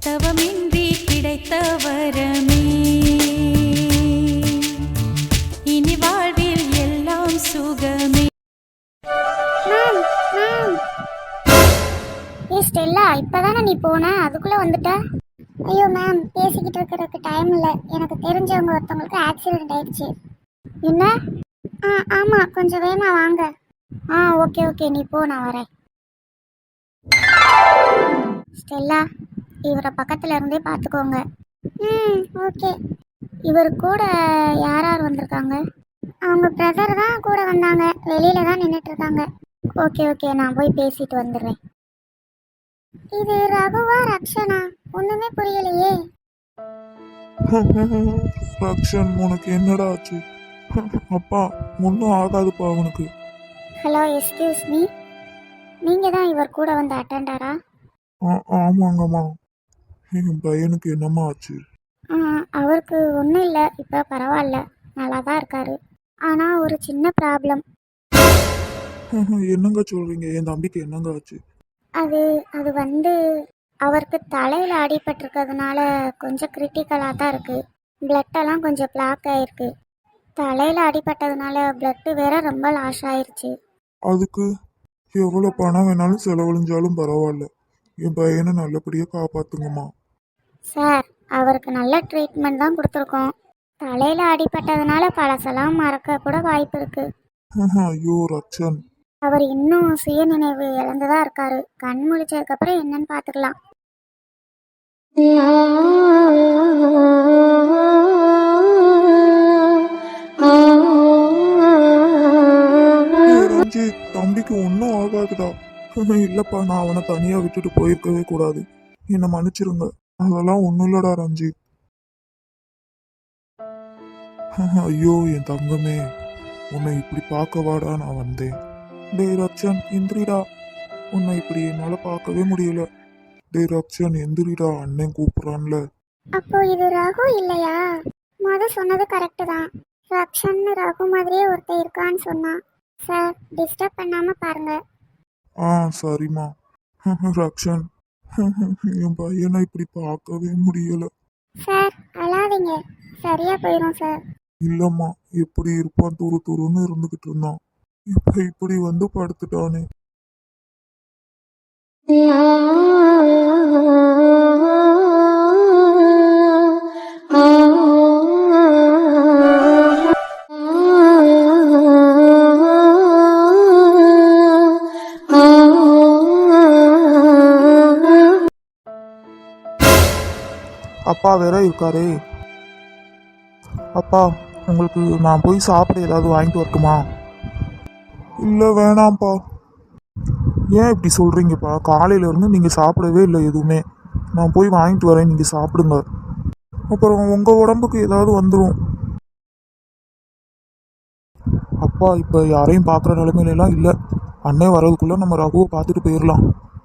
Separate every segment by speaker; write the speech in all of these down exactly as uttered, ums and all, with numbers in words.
Speaker 1: தவமின்றி கிடைத்த வரமே இனி வாழ்வில் எல்லாம் சுகமே.
Speaker 2: மேம் மேம் ஏ ஸ்டெல்லா, இப்பதானே நீ போன, அதுக்குள்ள வந்துட்ட? ஐயோ மேம், பேசிக்கிட்டு இருக்கிறதுக்கு டைம் இல்லை. எனக்கு தெரிஞ்சவங்க ஒருத்தவங்களுக்கு ஆக்சிடென்ட் ஆயிடுச்சு. என்ன? ஆ ஆமாம், கொஞ்சம் வேகமா வாங்க. ஆ ஓகே ஓகே, நீ போ, நான் வரேன். ஸ்டெல்லா, இவரை பக்கத்துல இருந்தே பார்த்துக்கோங்க. ம் ஓகே. இவர் கூட யார் யார் வந்திருக்காங்க? அவங்க பிரதர் தான் கூட வந்தாங்க, வெளியில தான் நின்றுட்டு இருக்காங்க. ஓகே ஓகே, நான் போய் பேசிட்டு வந்துடுறேன். இது ரகுவா ரக்ஷனா? ஒண்ணுமே புரியலையே.
Speaker 3: ரக்ஷன், உனக்கு என்னடா ஆச்சு? அப்பா, ஒன்றும் ஆகாதுப்பா அவனுக்கு.
Speaker 2: ஹலோ, எக்ஸ்கியூஸ் மீ, நீங்க தான் இவர் கூட வந்த அட்டெண்டரா?
Speaker 3: ஆ ஆமாங்கம்மா. என் பையனுக்கு என்னம்மா ஆச்சு?
Speaker 2: ஆ அவருக்கு ஒன்றும் இல்லை, இப்போ பரவாயில்ல, நல்லா தான் இருக்காரு. ஆனால் ஒரு சின்ன ப்ராப்ளம்.
Speaker 3: என்னங்க சொல்றீங்க? என் தம்பிக்கு என்னங்க ஆச்சு?
Speaker 2: அது அது வந்து அவருக்கு தலையில் அடிபட்டிருக்கிறதுனால கொஞ்சம் கிரிட்டிக்கலாக தான் இருக்குது. பிளட்டெல்லாம் கொஞ்சம் பிளாக் ஆகிருக்கு. தலையில் அடிபட்டதுனால பிளட்டு வேற ரொம்ப லாஸ் ஆயிடுச்சு.
Speaker 3: அதுக்கு எவ்வளோ பணம் வேணாலும் செலவழிஞ்சாலும் பரவாயில்ல, என் பையனை நல்லபடியாக காப்பாத்துங்கம்மா.
Speaker 2: சார், அவருக்கு நல்ல ட்ரீட்மெண்ட் தான் கொடுத்துருக்கோம். தலையில் அடிபட்டதுனால பழசெல்லாம் மறக்க கூட வாய்ப்பு இருக்குது.
Speaker 3: ஐயோ ரக்ஷன்,
Speaker 2: அவர் இன்னும் சுயநினைவு இழந்துதான் இருக்காரு. கண் முழிச்சதுக்கப்புறம் என்னன்னு பார்த்துக்கலாம்.
Speaker 3: ரஞ்சித், தம்பிக்கு ஒன்றும் ஆகாதுடா. இல்லப்பா, நான் அவனை தனியா விட்டுட்டு போயிருக்கவே கூடாது. என்னை மன்னிச்சிருங்க. அதெல்லாம் ஒன்றும் இல்லடா ரஞ்சித். ஐயோ என் தங்கமே, உன்னை இப்படி பார்க்க வாடா நான் வந்தேன். டே ரக்ஷன், எந்திரிடா. உன்னை இப்படி என்னால பார்க்கவே முடியல. டே ரக்ஷன், எந்திரிடா, அண்ணன் கூப்பிடுறான்ல.
Speaker 2: அப்போ இது ரகு இல்லையா? முத சொன்னது கரெக்டு தான். ரக்ஷன் ரகு மாதிரியே ஒருத்தர் இருக்கான்னு சொன்னான். சார், டிஸ்டர்ப் பண்ணாம பாருங்க.
Speaker 3: ஆ சரிம்மா. ரக்ஷன், என் பையனை இப்படி பார்க்கவே முடியல.
Speaker 2: சார், அழாதீங்க, சரியா போயிடும் சார்.
Speaker 3: இல்லம்மா, எப்படி இருப்பான், துரு துருன்னு இருந்துகிட்டு இருந்தான். இப்ப இப்படி வந்து படுத்துட்டானே. அப்பா வேற இருக்காரே. அப்பா, உங்களுக்கு நான் போய் சாப்பிட ஏதாவது வாங்கிட்டு வரட்டுமா? இல்லை வேணாம்ப்பா. ஏன் இப்படி சொல்கிறீங்கப்பா? காலையிலேருந்து நீங்கள் சாப்பிடவே இல்லை எதுவுமே. நான் போய் வாங்கிட்டு வரேன், நீங்கள் சாப்பிடுங்க. அப்புறம் உங்கள் உடம்புக்கு ஏதாவது வந்துடும். அப்பா, இப்போ யாரையும் பார்க்குற நிலைமையிலாம் இல்லை. அண்ணே வரதுக்குள்ளே நம்ம ரகுவை பார்த்துட்டு போயிடலாம்.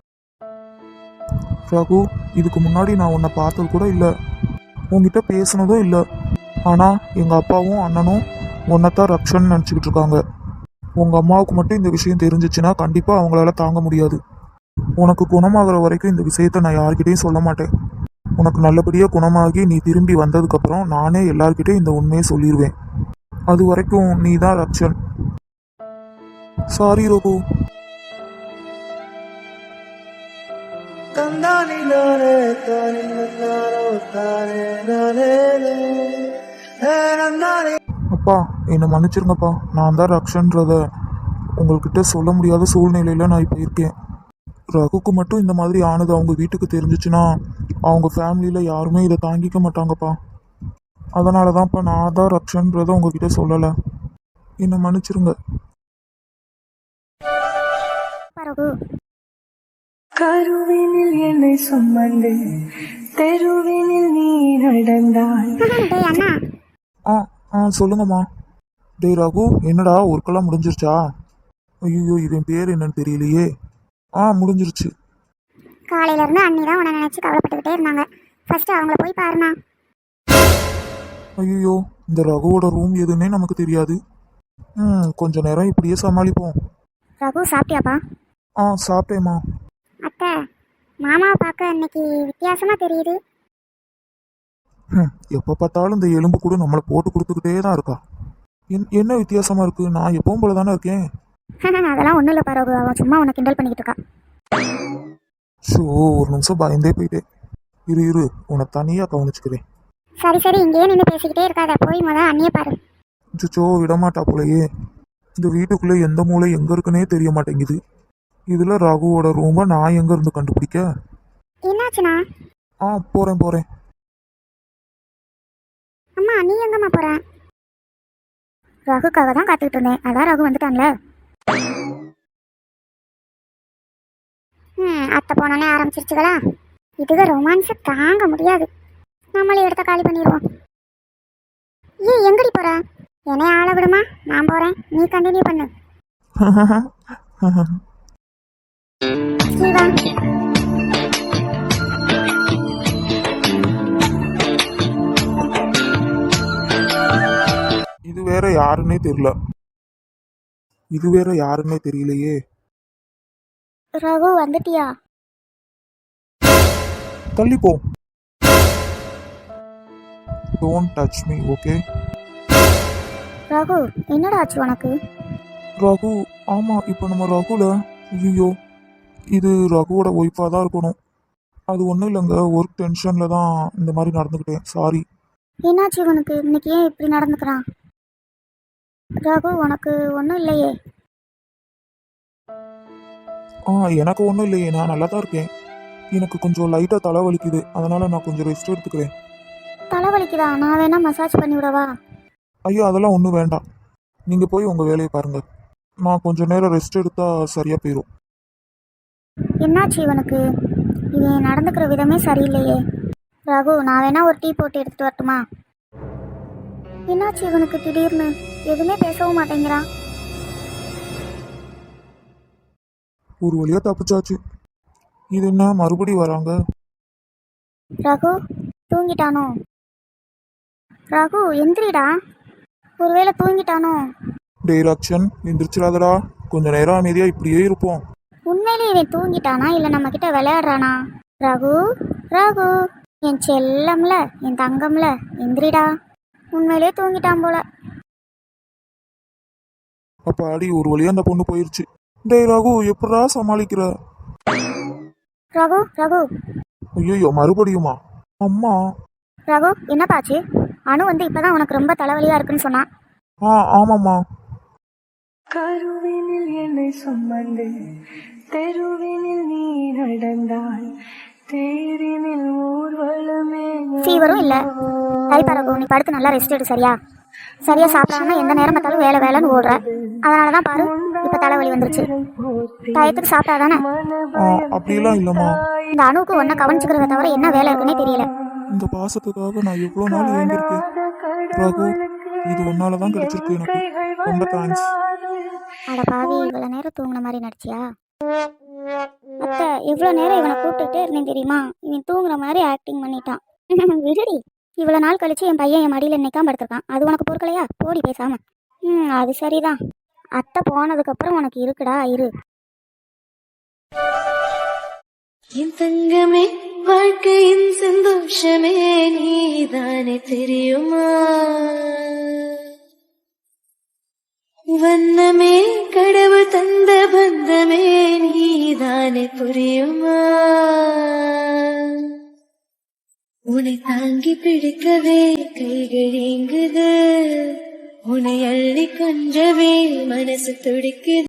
Speaker 3: ரகு, இதுக்கு முன்னாடி நான் உன்னை பார்த்தது கூட இல்லை, உங்ககிட்ட பேசுனதும் இல்லை. ஆனால் எங்கள் அப்பாவும் அண்ணனும் உன்னைத்தான் ரக்ஷன் நினச்சிக்கிட்டு இருக்காங்க. உங்கள் அம்மாவுக்கு மட்டும் இந்த விஷயம் தெரிஞ்சிச்சுன்னா கண்டிப்பாக அவங்களால தாங்க முடியாது. உனக்கு குணமாகிற வரைக்கும் இந்த விஷயத்த நான் யார்கிட்டையும் சொல்ல மாட்டேன். உனக்கு நல்லபடியாக குணமாகி நீ திரும்பி வந்ததுக்கப்புறம் நானே எல்லார்கிட்டையும் இந்த உண்மையை சொல்லிடுவேன். அது வரைக்கும் நீ தான் ரக்ஷன். சாரி ரகு. அப்பா, என்னை மன்னிச்சிருங்கப்பா. நான் தான் ரக்ஷன்றத உங்கள்கிட்ட சொல்ல முடியாத சூழ்நிலையில நான் இப்போ இருக்கேன். ரகுக்கு மட்டும் இந்த மாதிரி ஆனது அவங்க வீட்டுக்கு தெரிஞ்சிச்சுன்னா அவங்க ஃபேமிலியில் யாருமே இதை தாங்கிக்க மாட்டாங்கப்பா. அதனால தான்ப்பா நான் தான் ரக்ஷன்றதை உங்ககிட்ட சொல்லலை. என்னை மன்னிச்சிருங்க.
Speaker 1: கருவினில் என்னை சுமந்து தெருவினில் நீ நடந்தாய்.
Speaker 3: ஆ ஆ சொல்லுங்கம்மா. டேய் ரகு, என்னடா ஒர்க்கெல்லாம் முடிஞ்சிருச்சா? ஐயோ, இவன் பேர் என்னன்னு தெரியலையே. ஆ முடிஞ்சிருச்சு.
Speaker 2: காலையில இருந்து அண்ணி தான் உன்னை நினைச்சு கவலைப்பட்டுக்கிட்டே இருந்தாங்க. ஃபர்ஸ்ட் அவங்கள போய் பாருண்ணா.
Speaker 3: ஐயோ, இந்த ரகுவோட ரூம் எதுன்னே நமக்கு தெரியாது. ம் கொஞ்ச நேரம் இப்படியே சமாளிப்போம்.
Speaker 2: ரகு, சாப்பிட்டியாப்பா?
Speaker 3: ஆ சாப்பிட்டேம்மா.
Speaker 2: அத்தை, மாமாவை பார்க்க இன்னைக்கு வித்தியாசமா தெரியுது.
Speaker 3: ஹம், எப்போ பார்த்தாலும் இந்த எலும்பு கூட நம்மளை போட்டு கொடுத்துக்கிட்டே தான் இருக்கா. என் என்ன வித்தியாசமா இருக்கு? நான் எப்பவும் போல தானே இருக்கேன்.
Speaker 2: அதெல்லாம் ஒன்றும் இல்லை பரவாயில்ல, அவன் சும்மா உன்னை கிண்டல் பண்ணிக்கிட்டு இருக்கா.
Speaker 3: ஷோ, ஒரு நிமிஷம் பயந்தே போயிட்டேன். இரு இரு உன்னை தனியாக கவனிச்சுக்கிறேன்.
Speaker 2: சரி சரி, இங்கேயே நின்று பேசிக்கிட்டே இருக்காத, போய் முத அண்ணியை பாரு.
Speaker 3: சுச்சோ, விடமாட்டா போலயே. இந்த வீட்டுக்குள்ளே எந்த மூளை எங்கே இருக்குன்னே தெரிய மாட்டேங்குது. இதில் ரகுவோட ரூமை நான் எங்கே இருந்து கண்டுபிடிக்க?
Speaker 2: என்னாச்சுண்ணா?
Speaker 3: ஆ, போகிறேன் போகிறேன்.
Speaker 2: அம்மா நீ எங்கம்மா போற? ரகுக்காக தான் காத்துக்கிட்டு இருந்தேன், அதான் ரகு வந்துட்டான்ல. ம் அத்தை போனோடனே ஆரம்பிச்சிருச்சுகளா. இதுக ரொமான்ஸை தாங்க முடியாது. நம்மளே இடத்த காலி பண்ணிடுவோம். ஏ எங்கடி போற? என்னைய ஆள விடுமா, நான் போறேன், நீ கண்டினியூ பண்ணு. ஸ்ரீவா,
Speaker 3: இது வேற யாருன்னே தெரியல. இது வேற யாருன்னே தெரியலையே.
Speaker 2: ரகு வந்துட்டியா?
Speaker 3: தள்ளி போ. Don't touch me, okay?
Speaker 2: Raghu என்னடா ஆச்சு உனக்கு?
Speaker 3: ரகு, ஆமா, இப்போ நம்ம ரகுல, ஐயோ, இது ரகுவோட ஒய்ஃபாக தான் இருக்கணும். அது ஒன்றும் இல்லைங்க, ஒர்க் டென்ஷனில் தான் இந்த மாதிரி நடந்துக்கிட்டேன், சாரி.
Speaker 2: என்னாச்சு உனக்கு? இன்னைக்கு ஏன் இப்படி நடந்துக்கிறான்? ரகு உனக்கு ஒன்றும் இல்லையே?
Speaker 3: ஆ, எனக்கு ஒன்றும் இல்லையே, நான் நல்லா தான் இருக்கேன். எனக்கு கொஞ்சம் லைட்டாக தலை வலிக்குது, அதனால் நான் கொஞ்சம் ரெஸ்ட் எடுத்துக்கிறேன்.
Speaker 2: தலைவலிக்குதா? நான் வேணா மசாஜ் பண்ணி விடவா?
Speaker 3: ஐயோ, அதெல்லாம் ஒன்றும் வேண்டாம். நீங்கள் போய் உங்கள் வேலையை பாருங்கள். நான் கொஞ்சம் நேரம் ரெஸ்ட் எடுத்தால் சரியாக போயிடும்.
Speaker 2: என்னாச்சு இவனுக்கு? இவன் நடந்துக்கிற விதமே சரியில்லையே. ரகு நான் வேணா ஒரு டீ போட்டு எடுத்துட்டு வரட்டுமா? என்னாச்சு இவனுக்கு திடீர்னு? எதுவுமே பேசவும் மாட்டேங்கிறான்.
Speaker 3: ஒரு வழியாக தப்பிச்சாச்சு. இது என்ன மறுபடி வராங்க?
Speaker 2: ரகு தூங்கிட்டானோ? ரகு எந்திரிடா, ஒருவேளை தூங்கிட்டானோ?
Speaker 3: டைரக்ஷன் எந்திரிச்சிடாதடா, கொஞ்ச நேரம் அமைதியாக இப்படியே இருப்போம்.
Speaker 2: உண்மையிலே இவன் தூங்கிட்டானா இல்லை நம்ம கிட்ட விளையாடுறானா? ரகு ரகு என் செல்லம்ல, என் தங்கம்ல, எந்திரிடா. உண்மையிலே தூங்கிட்டான் போல.
Speaker 3: அப்போ அடி, ஒரு வழியாக அந்த பொண்ணு போயிருச்சு. டேய் ரகு, எப்படா சமாளிக்கிற?
Speaker 2: ரகு ரகு
Speaker 3: ஐயோ, மறுபடியுமா? அம்மா.
Speaker 2: ரகு என்னப்பாச்சு? அனு வந்து இப்பதான் உனக்கு ரொம்ப தலைவலியா இருக்குன்னு சொன்னான்.
Speaker 3: ஆ, ஆமாம்மா.
Speaker 1: கருவினில் என்னை சுமந்து தெருவினில் நீ நடந்தால் தேரினில் ஊர்வலமே.
Speaker 2: ஃபீவரும் இல்ல. சரி பரகு, நீ படுத்து நல்லா ரெஸ்ட் எடு, சரியா? சரியா சாப்பிடாம எந்த நேரம் பார்த்தாலும் வேலை வேலைன்னு ஓடுற. அதனாலதான் பாரு இப்ப தலைவலி வந்துருச்சு. டயத்துக்கு சாப்பிட்டாதானே?
Speaker 3: ஆ, அப்படிலாம் இல்லைம்மா.
Speaker 2: இந்த அணுவுக்கு ஒன்ன கவனிச்சுக்கிறத தவிர என்ன வேலை இருக்குன்னே தெரியல.
Speaker 3: இந்த பாசத்துக்காக நான் எவ்வளோ நாள் ஏங்கிருக்கேன். ரகு, இது ஒன்னால தான் கிடைச்சிருக்கு எனக்கு. ரொம்ப தேங்க்ஸ்.
Speaker 2: அட பாவி, இவ்வளவு நேரம் தூங்குன மாதிரி நடிச்சியா? அத்தை இவ்வளவு நேரம் இவனை கூப்பிட்டுட்டே இருந்தேன் தெரியுமா? இவன் தூங்குற மாதிரி ஆக்டிங் பண்ணிட்டான். விடுடி, இவ்வளவு நாள் கழிச்சு என் பையன் என் மடியில நிக்காம படுத்திருக்கான். அது உனக்கு பொறுக்கலையா? போடி பேசாம. ம் அது சரிதான். அத்தை போனதுக்கு அப்புறம் உனக்கு இருக்குடா, இரு.
Speaker 1: என் தங்கமே, வாழ்க்கையின் சந்தோஷமே நீதானே, தெரியுமா? வண்ணமே கடவுள் தந்த பந்தமே நீதானே, புரியுமா? உன்னை தாங்கி பிடிக்கவே கைகள் ஏங்குது, உன்னை அள்ளி கொஞ்சவே மனசு துடிக்குது.